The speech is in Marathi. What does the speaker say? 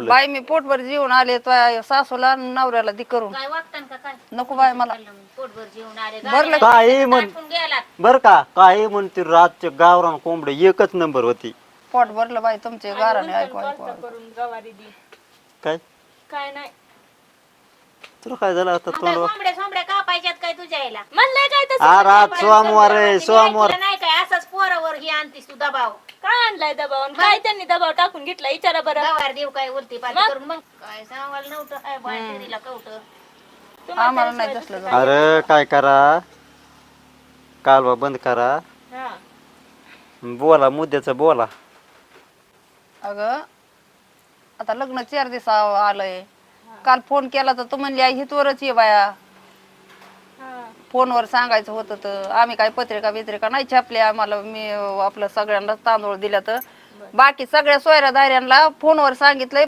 म्हणलं बाई मी पोटभर जेवून आले तुझ्या सासूला आणि नवऱ्याला दी करून काय वागतान का काय नको बाय मला पोटभर जेवून आले भरलं काही म्हण गेला बर का काही म्हणते रातच्या गावरान कोंबडे एकच नंबर होती. पोट भरलं बाई तुमचे गाराने ऐकू ऐकू करून गवारी दी काय काय नाही तुला काय झालं आता मग काय तोंड कोंबड्या सोंबड्या कापायच्यात काय तुझ्या यायला म्हणलंय काय तसं आ रात सोमवार आहे सोमवार तुला नाही काय असंच पोरावर ही आणतीस तू दबाव काय आणलाय दबाव आणि काय त्यांनी दबाव टाकून घेतला विचारा बरं गवार देऊ काय उलटी पालटी करून मग काय सांगायला नव्हतं काय बाहेरीला कवट आम्हाला नाही तसलं जमत. अरे काय करा कालवा बंद करा हा बोला मुद्द्याचं बोला. अगं आता लग्न 4 दिवस आलंय काल फोन केला तर तू म्हणली आई हितवरच ये बाया हा फोनवर सांगायचं होतं तर आम्ही काय पत्रिका बित्रिका नाही छापल्या आम्हाला मी आपलं सगळ्यांना तांदूळ दिल्या तर बाकी सगळ्या सोयऱ्या दाऱ्यांना फोनवर सांगितलंय